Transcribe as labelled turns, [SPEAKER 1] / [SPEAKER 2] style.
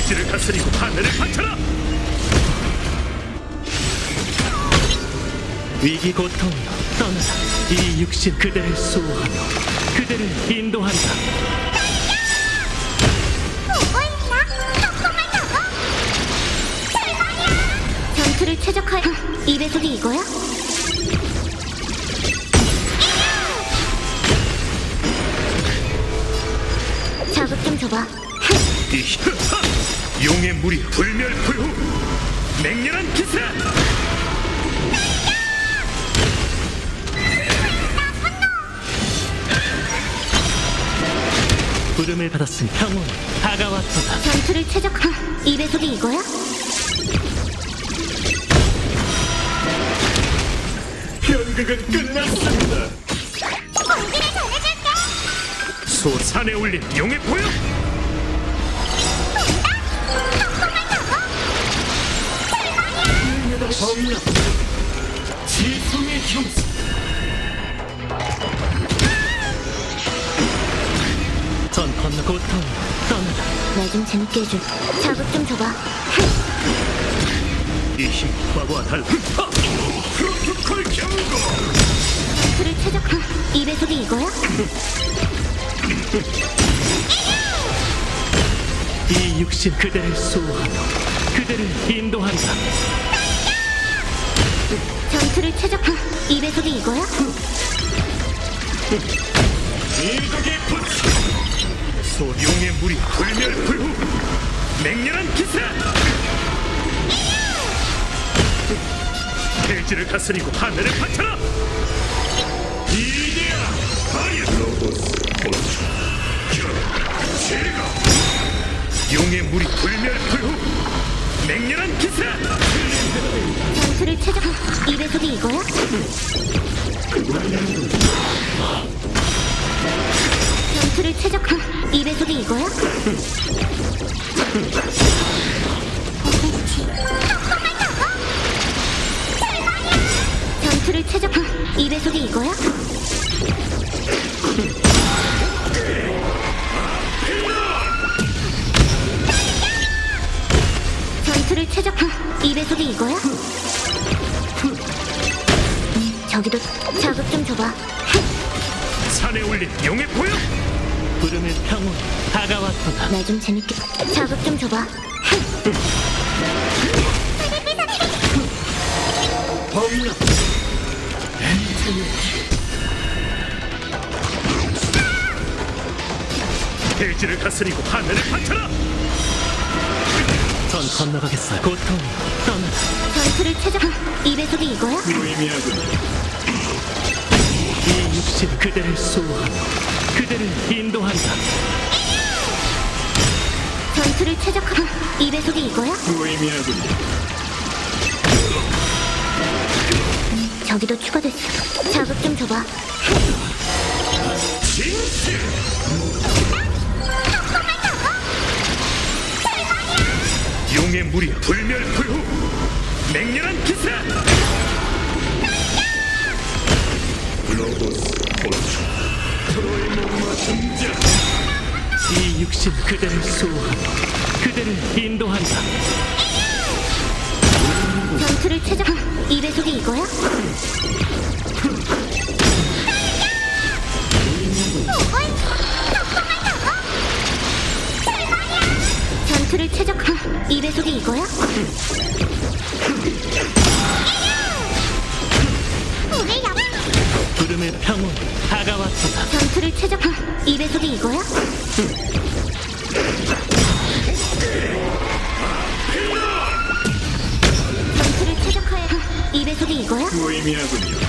[SPEAKER 1] 대지를 다스리고 하늘을 바쳐라.
[SPEAKER 2] 위기 고통이여 떠나라. 이 육신 그대를 수호하며 그대를 인도한다.
[SPEAKER 3] 보고 있나? 조금만 더. 대박이야. 전투를 최적화해. 이 배속이 이거야? 자극 좀 줘봐.
[SPEAKER 1] 용의 물이 불멸불후. 맹렬한 기세.
[SPEAKER 2] 부름을 받았으니 평온이 다가왔도다.
[SPEAKER 3] 전투를 최적화. 이 배속이 이거야?
[SPEAKER 1] 연극은 끝났습니다.
[SPEAKER 3] 공기를 전해줄게.
[SPEAKER 1] 소산에 올린 용의 보여.
[SPEAKER 2] 정령 지성의 형사. 전 건너 고통이여 떠나라.
[SPEAKER 3] 나 좀 재밌게 해줘. 자극 좀 줘봐.
[SPEAKER 1] 이 힘 과거와 달라. 프로토콜 경고.
[SPEAKER 3] 전투를 최적화. 이 배속이 이거야?
[SPEAKER 2] 이 육신 그대를 수호하며 그대를 인도한다.
[SPEAKER 3] 전투를 최적화. 이 배속이 이거야?
[SPEAKER 1] 일국의 부치. 소용의 물이 불멸불후. 맹렬한 기세. 대지를 다스리고 하늘을 바쳐라. 이데아 파이어 로보스 홀초 제가 용의 물이 불멸불후. 맹렬한 기세.
[SPEAKER 3] 전투를 최적화. 이 배속이 이거야? 전투를 최적화. 이 배속이 이거야? 전투를 최적화. 이 배속이 이거야? 전투를 최적화. 이 배속이 이거야? 저기도 자극 좀 줘봐.
[SPEAKER 1] 산에 올린 용의 보여.
[SPEAKER 2] 부름의 평온이 다가왔도다.
[SPEAKER 3] 나 좀 재밌게 자극 좀 줘봐.
[SPEAKER 2] 범람
[SPEAKER 1] 대지를 다스리고 하늘을 바쳐라.
[SPEAKER 2] 전 건너가겠어요. 고통이 떠나라.
[SPEAKER 3] 전투를 최적화. 이 배속이 이거야?
[SPEAKER 1] 무의미하군.
[SPEAKER 2] 이 육신 그대를 수호하며 그대를 인도한다.
[SPEAKER 3] 전투를 최적화. 이 배속이 이거야?
[SPEAKER 1] 무의미하군.
[SPEAKER 3] 저기도 추가됐어. 자극 좀 줘봐.
[SPEAKER 1] 진실. 용의 물이 불멸불후. 맹렬한 기세. 로보스 홀초 트로이 목마 등장.
[SPEAKER 2] 이 육신 그대를 수호하며 그대를 인도한다.
[SPEAKER 3] 전투를 최적화. 이 배속이 이거야? 전투를 최적화. 이 배속이 이거야?
[SPEAKER 2] 부름의 평온이 다가왔도다.
[SPEAKER 3] 전투를 최적화. 이 배속이 이거야? 전투를 최적화해. 이 배속이 이거야?
[SPEAKER 1] 무의미하군요.